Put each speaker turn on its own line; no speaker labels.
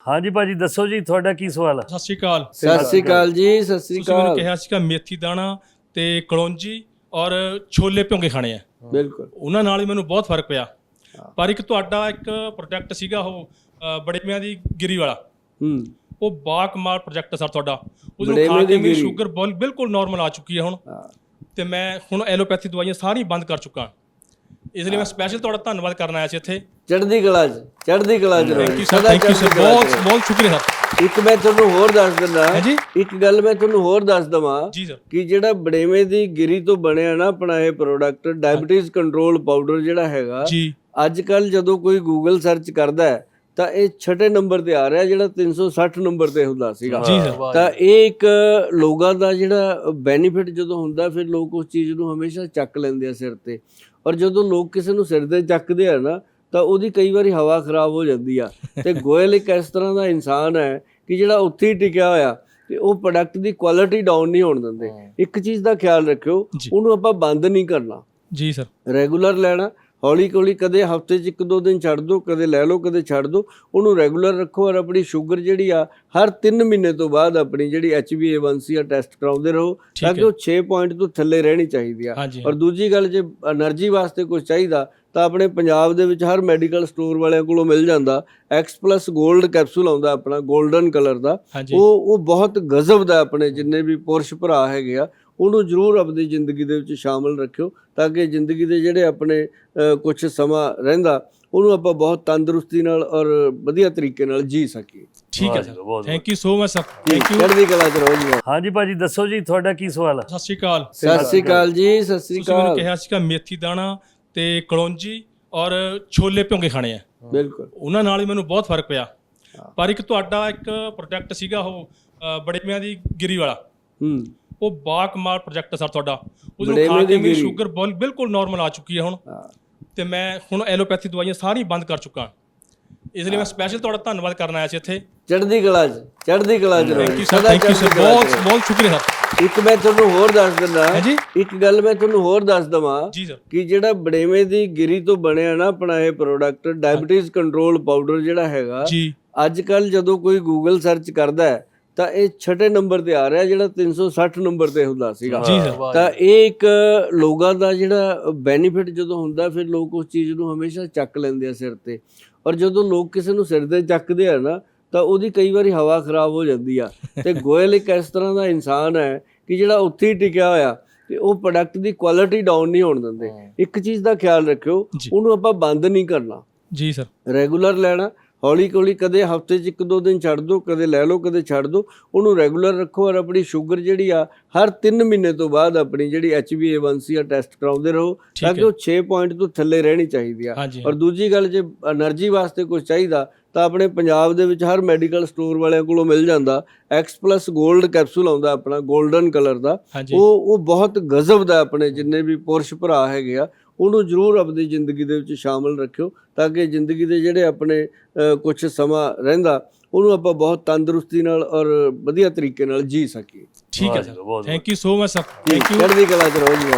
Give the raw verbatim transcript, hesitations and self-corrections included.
हाँ जी भाजी दसो जी थोड़ा की सवाल है।
सत श्री अकाल।
सत श्री अकाल जी, सत श्री
ਤੁਸੀਂ ਮੈਨੂੰ
अकाल।
ਕਿਹਾ ਸੀਗਾ ਮੇਥੀ ਦਾਣਾ ਤੇ ਕਲੌਂਜੀ ਔਰ ਛੋਲੇ ਭਿਉਂਕੇ ਖਾਣੇ ਆ,
ਬਿਲਕੁਲ
ਉਹਨਾਂ ਨਾਲ ਹੀ ਮੈਨੂੰ ਬਹੁਤ ਫਰਕ ਪਿਆ। ਪਰ ਇੱਕ ਤੁਹਾਡਾ ਇੱਕ ਪ੍ਰੋਜੈਕਟ ਸੀਗਾ ਉਹ ਅ, ਬੜੇਮਿਆਂ ਦੀ ਗਿਰੀ ਵਾਲਾ,
ਹੂੰ
ਉਹ ਬਾ ਕਮਾਲ ਪ੍ਰੋਜੈਕਟ ਸਰ ਤੁਹਾਡਾ। ਉਹਨੂੰ
ਬੜੇਮੇ
ਖਾ
ਦੀ
ਕੇ ਮੇਰੀ
ਗਿਰੀ।
ਸ਼ੂਗਰ ਬੋਲ- ਬਿਲਕੁਲ ਨਾਰਮਲ ਆ ਚੁੱਕੀ ਹੈ ਹੁਣ, ਤੇ ਮੈਂ ਹੁਣ ਐਲੋਪੈਥੀ ਦਵਾਈਆਂ ਸਾਰੀਆਂ ਬੰਦ ਕਰ ਚੁੱਕਾ। ਇਸ ਲਈ ਮੈਂ ਸਪੈਸ਼ਲ ਤੁਹਾਡਾ ਧੰਨਵਾਦ ਕਰਨ ਆਇਆ ਸੀ ਇੱਥੇ।
ਚੜ੍ਹਦੀ ਕਲਾ ਚ ਚੜ੍ਹਦੀ ਕਲਾ ਚ
ਥੈਂਕ
ਰਹੋ
ਯੂ ਸਰ,
ਸਦਾ
ਥੈਂਕ ਯੂ ਸਰ,
ਚੜ੍ਹਦੀ ਕਲਾ ਚ
ਬਹੁਤ
ਰਹੋ।
ਬਹੁਤ ਸ਼ੁਕਰੀਆ ਸਰ।
ਇੱਕ ਮੈਂ ਤੁਹਾਨੂੰ ਹੋਰ ਦੱਸ ਦਿੰਦਾ
ਹਾਂਜੀ।
ਇੱਕ ਗੱਲ ਮੈਂ ਤੁਹਾਨੂੰ ਹੋਰ ਦੱਸ ਦਵਾਂ
ਜੀ ਸਰ।
ਕਿ ਜਿਹੜਾ ਬੜੇਵੇਂ ਦੀ ਗਿਰੀ ਤੋਂ ਬਣਿਆ ਨਾ ਆਪਣਾ ਇਹ ਪ੍ਰੋਡਕਟ ਡਾਇਬੀਟੀਜ਼ ਕੰਟਰੋਲ ਪਾਊਡਰ ਜਿਹੜਾ ਹੈਗਾ,
ਜੀ
ਅੱਜ ਕੱਲ ਜਦੋਂ ਕੋਈ ਗੂਗਲ ਸਰਚ ਕਰਦਾ ਹੈ ਤਾਂ ਇਹ ਛਠੇ ਨੰਬਰ ਤੇ ਆ ਰਿਹਾ, ਜਿਹੜਾ ਤਿੰਨ ਸੌ ਸੱਠ ਨੰਬਰ ਤੇ ਹੁੰਦਾ ਸੀਗਾ।
ਜੀ ਸਰ।
ਤਾਂ ਇਹ ਇੱਕ ਲੋਕਾਂ ਦਾ ਜਿਹੜਾ ਬੈਨੀਫਿਟ ਜਦੋਂ ਹੁੰਦਾ, ਫਿਰ ਲੋਕ ਉਸ ਚੀਜ਼ ਨੂੰ ਹਮੇਸ਼ਾ ਚੱਕ ਲੈਂਦੇ ਆ ਸਿਰ ਤੇ। ਔਰ ਜਦੋਂ ਲੋਕ ਕਿਸੇ ਨੂੰ ਸਿਰ ਤੇ ਚੱਕਦੇ ਆ ਨਾ, ਤਾਂ ਉਹਦੀ ਕਈ ਵਾਰੀ ਹਵਾ ਖਰਾਬ ਹੋ ਜਾਂਦੀ ਆ। ਤੇ ਗੋਇਲ ਇੱਕ ਇਸ ਤਰ੍ਹਾਂ ਦਾ ਇਨਸਾਨ ਹੈ ਕਿ ਜਿਹੜਾ ਉੱਥੇ ਹੀ ਟਿਕਿਆ ਹੋਇਆ, ਤੇ ਉਹ ਪ੍ਰੋਡਕਟ ਦੀ ਕੁਆਲਿਟੀ ਡਾਊਨ ਨਹੀਂ ਹੋਣ ਦਿੰਦੇ। ਇੱਕ ਚੀਜ਼ ਦਾ ਖਿਆਲ ਰੱਖਿਓ,
ਜੀ।
ਉਹਨੂੰ ਆਪਾਂ ਬੰਦ ਨਹੀਂ ਕਰਨਾ,
ਜੀ ਸਰ।
ਰੈਗੂਲਰ ਲੈਣਾ। ਹੌਲੀ ਹੌਲੀ ਕਦੇ ਹਫਤੇ 'ਚ ਇੱਕ ਦੋ ਦਿਨ ਛੱਡ ਦਿਓ, ਕਦੇ ਲੈ ਲਓ, ਕਦੇ ਛੱਡ ਦਿਓ। ਉਹਨੂੰ ਰੈਗੂਲਰ ਰੱਖੋ ਔਰ ਆਪਣੀ ਸ਼ੂਗਰ ਜਿਹੜੀ ਆ ਹਰ ਤਿੰਨ ਮਹੀਨੇ ਤੋਂ ਬਾਅਦ ਆਪਣੀ ਜਿਹੜੀ H B A one C ਆ ਟੈਸਟ ਕਰਾਉਂਦੇ ਰਹੋ, ਤਾਂ ਕਿ ਉਹ ਛੇ ਪੁਆਇੰਟ ਤੋਂ ਥੱਲੇ ਰਹਿਣੀ ਚਾਹੀਦੀ ਆ।
ਹਾਂਜੀ।
ਔਰ ਦੂਜੀ ਗੱਲ, ਜੇ એનર્ਜੀ ਵਾਸਤੇ ਕੁਝ ਚਾਹੀਦਾ ਤਾਂ ਆਪਣੇ ਪੰਜਾਬ ਦੇ ਵਿੱਚ ਹਰ ਮੈਡੀਕਲ ਸਟੋਰ ਵਾਲਿਆਂ ਕੋਲੋਂ ਮਿਲ ਜਾਂਦਾ। ਐਕਸ ਪਲੱਸ ਗੋਲਡ ਕੈਪਸੂਲ ਆਉਂਦਾ ਆਪਣਾ, 골ਡਨ ਕਲਰ ਦਾ।
ਹਾਂਜੀ।
ਉਹ ਉਹ ਬਹੁਤ ਗਜ਼ਬ ਦਾ। ਆਪਣੇ ਜਿੰਨੇ ਵੀ ਪੁਰਸ਼ ਭਰਾ ਹੈਗੇ ਆ, ਉਹਨੂੰ ਜ਼ਰੂਰ ਆਪਣੀ ਜ਼ਿੰਦਗੀ ਦੇ ਵਿੱਚ ਸ਼ਾਮਲ ਰੱਖਿਓ, ਤਾਂ ਕਿ ਜ਼ਿੰਦਗੀ ਦੇ ਜਿਹੜੇ ਆਪਣੇ ਕੁਝ ਸਮਾਂ ਰਹਿੰਦਾ, ਉਹਨੂੰ ਆਪਾਂ ਬਹੁਤ ਤੰਦਰੁਸਤੀ ਨਾਲ ਔਰ ਵਧੀਆ ਤਰੀਕੇ ਨਾਲ ਜੀ ਸਕੀਏ।
ਠੀਕ ਹੈ sir, thank you so much sir, thank you.
ਚੜ੍ਹਦੀ ਕਲਾ ਚ ਰਹੋ ਜੀ।
हाँ जी भाजी दसो जी थोड़ा की सवाल है।
ਸਤ ਸ਼੍ਰੀ ਅਕਾਲ।
ਸਤਿ ਸ਼੍ਰੀ ਅਕਾਲ ਜੀ, ਸਤਿ ਸ਼੍ਰੀ
ਤੁਸੀਂ ਮੈਨੂੰ
ਅਕਾਲ।
ਕਿਹਾ ਸੀਗਾ ਮੇਥੀ ਦਾਣਾ ਤੇ ਕਲੌਂਜੀ ਔਰ ਛੋਲੇ ਭਿਉਂਕੇ ਖਾਣੇ ਆ,
ਬਿਲਕੁਲ
ਉਹਨਾਂ ਨਾਲ ਹੀ ਮੈਨੂੰ ਬਹੁਤ ਫਰਕ ਪਿਆ। ਪਰ ਇੱਕ ਤੁਹਾਡਾ ਇੱਕ ਪ੍ਰੋਜੈਕਟ ਸੀਗਾ ਉਹ ਅ, ਬੜੇਮਿਆਂ ਦੀ ਗਿਰੀ ਵਾਲਾ,
ਹੂੰ
ਉਹ ਬਾ ਕਮਾਲ ਪ੍ਰੋਜੈਕਟ ਸਰ ਤੁਹਾਡਾ। ਉਹਨੂੰ
ਬੜੇਮੇ
ਖਾ
ਦੀ
ਕੇ ਮੇਰੀ
ਗਿਰੀ।
ਸ਼ੂਗਰ ਬੋਲ- ਬਿਲਕੁਲ ਨਾਰਮਲ ਆ ਚੁੱਕੀ ਹੈ ਹੁਣ, ਤੇ ਮੈਂ ਹੁਣ ਐਲੋਪੈਥੀ ਦਵਾਈਆਂ ਸਾਰੀਆਂ ਬੰਦ ਕਰ ਚੁੱਕਾ। ਇਸ ਲਈ ਮੈਂ ਸਪੈਸ਼ਲ ਤੁਹਾਡਾ ਧੰਨਵਾਦ ਕਰਨ ਆਇਆ ਸੀ ਇੱਥੇ।
ਚੜ੍ਹਦੀ ਕਲਾ ਚ ਚੜ੍ਹਦੀ ਕਲਾ ਚ
ਥੈਂਕ
ਰਹੋ
ਯੂ ਸਰ,
ਸਦਾ
ਥੈਂਕ ਯੂ ਸਰ,
ਚੜ੍ਹਦੀ ਕਲਾ ਚ
ਬਹੁਤ
ਰਹੋ।
ਬਹੁਤ ਸ਼ੁਕਰੀਆ ਸਰ।
ਇੱਕ ਮੈਂ ਤੁਹਾਨੂੰ ਹੋਰ ਦੱਸ ਦਿੰਦਾ
ਹਾਂਜੀ।
ਇੱਕ ਗੱਲ ਮੈਂ ਤੁਹਾਨੂੰ ਹੋਰ ਦੱਸ ਦਵਾਂ
ਜੀ ਸਰ।
ਕਿ ਜਿਹੜਾ ਬੜੇਵੇਂ ਦੀ ਗਿਰੀ ਤੋਂ ਬਣਿਆ ਨਾ ਆਪਣਾ ਇਹ ਪ੍ਰੋਡਕਟ ਡਾਇਬੀਟੀਜ਼ ਕੰਟਰੋਲ ਪਾਊਡਰ ਜਿਹੜਾ ਹੈਗਾ,
ਜੀ
ਅੱਜ ਕੱਲ ਜਦੋਂ ਕੋਈ ਗੂਗਲ ਸਰਚ ਕਰਦਾ ਹੈ ਤਾਂ ਇਹ ਛਠੇ ਨੰਬਰ ਤੇ ਆ ਰਿਹਾ, ਜਿਹੜਾ ਤਿੰਨ ਸੌ ਸੱਠ ਨੰਬਰ ਤੇ ਹੁੰਦਾ ਸੀਗਾ।
ਜੀ ਸਰ।
ਤਾਂ ਇਹ ਇੱਕ ਲੋਕਾਂ ਦਾ ਜਿਹੜਾ ਬੈਨੀਫਿਟ ਜਦੋਂ ਹੁੰਦਾ, ਫਿਰ ਲੋਕ ਉਸ ਚੀਜ਼ ਨੂੰ ਹਮੇਸ਼ਾ ਚੱਕ ਲੈਂਦੇ ਆ ਸਿਰ ਤੇ। ਔਰ ਜਦੋਂ ਲੋਕ ਕਿਸੇ ਨੂੰ ਸਿਰ ਤੇ ਚੱਕਦੇ ਆ ਨਾ, ਤਾਂ ਉਹਦੀ ਕਈ ਵਾਰੀ ਹਵਾ ਖਰਾਬ ਹੋ ਜਾਂਦੀ ਆ। ਤੇ ਗੋਇਲ ਇੱਕ ਇਸ ਤਰ੍ਹਾਂ ਦਾ ਇਨਸਾਨ ਹੈ ਕਿ ਜਿਹੜਾ ਉੱਥੇ ਹੀ ਟਿਕਿਆ ਹੋਇਆ, ਤੇ ਉਹ ਪ੍ਰੋਡਕਟ ਦੀ ਕੁਆਲਿਟੀ ਡਾਊਨ ਨਹੀਂ ਹੋਣ ਦਿੰਦੇ। ਇੱਕ ਚੀਜ਼ ਦਾ ਖਿਆਲ ਰੱਖਿਓ,
ਜੀ।
ਉਹਨੂੰ ਆਪਾਂ ਬੰਦ ਨਹੀਂ ਕਰਨਾ,
ਜੀ ਸਰ।
ਰੈਗੂਲਰ ਲੈਣਾ। ਹੌਲੀ ਹੌਲੀ ਕਦੇ ਹਫਤੇ 'ਚ ਇੱਕ ਦੋ ਦਿਨ ਛੱਡ ਦਿਓ, ਕਦੇ ਲੈ ਲਓ, ਕਦੇ ਛੱਡ ਦਿਓ। ਉਹਨੂੰ ਰੈਗੂਲਰ ਰੱਖੋ ਔਰ ਆਪਣੀ ਸ਼ੂਗਰ ਜਿਹੜੀ ਆ ਹਰ ਤਿੰਨ ਮਹੀਨੇ ਤੋਂ ਬਾਅਦ ਆਪਣੀ ਜਿਹੜੀ H B A one C ਆ ਟੈਸਟ ਕਰਾਉਂਦੇ ਰਹੋ, ਤਾਂ ਕਿ ਉਹ ਛੇ ਪੁਆਇੰਟ ਤੋਂ ਥੱਲੇ ਰਹਿਣੀ ਚਾਹੀਦੀ ਆ।
ਹਾਂਜੀ।
ਔਰ ਦੂਜੀ ਗੱਲ, ਜੇ એનર્ਜੀ ਵਾਸਤੇ ਕੁਝ ਚਾਹੀਦਾ ਤਾਂ ਆਪਣੇ ਪੰਜਾਬ ਦੇ ਵਿੱਚ ਹਰ ਮੈਡੀਕਲ ਸਟੋਰ ਵਾਲਿਆਂ ਕੋਲੋਂ ਮਿਲ ਜਾਂਦਾ। ਐਕਸ ਪਲੱਸ ਗੋਲਡ ਕੈਪਸੂਲ ਆਉਂਦਾ ਆਪਣਾ, 골ਡਨ ਕਲਰ ਦਾ।
ਹਾਂਜੀ।
ਉਹ ਉਹ ਬਹੁਤ ਗਜ਼ਬ ਦਾ। ਆਪਣੇ ਜਿੰਨੇ ਵੀ ਪੁਰਸ਼ ਭਰਾ ਹੈਗੇ ਆ, ਉਹਨੂੰ ਜ਼ਰੂਰ ਆਪਣੀ ਜ਼ਿੰਦਗੀ ਦੇ ਵਿੱਚ ਸ਼ਾਮਲ ਰੱਖਿਓ, ਤਾਂ ਕਿ ਜ਼ਿੰਦਗੀ ਦੇ ਜਿਹੜੇ ਆਪਣੇ ਕੁਝ ਸਮਾਂ ਰਹਿੰਦਾ, ਉਹਨੂੰ ਆਪਾਂ ਬਹੁਤ ਤੰਦਰੁਸਤੀ ਨਾਲ ਔਰ ਵਧੀਆ ਤਰੀਕੇ ਨਾਲ ਜੀ ਸਕੀਏ।
ਠੀਕ ਹੈ sir, thank you so much sir, thank you.
ਚੜ੍ਹਦੀ ਕਲਾ ਚ ਰਹੋ ਜੀ।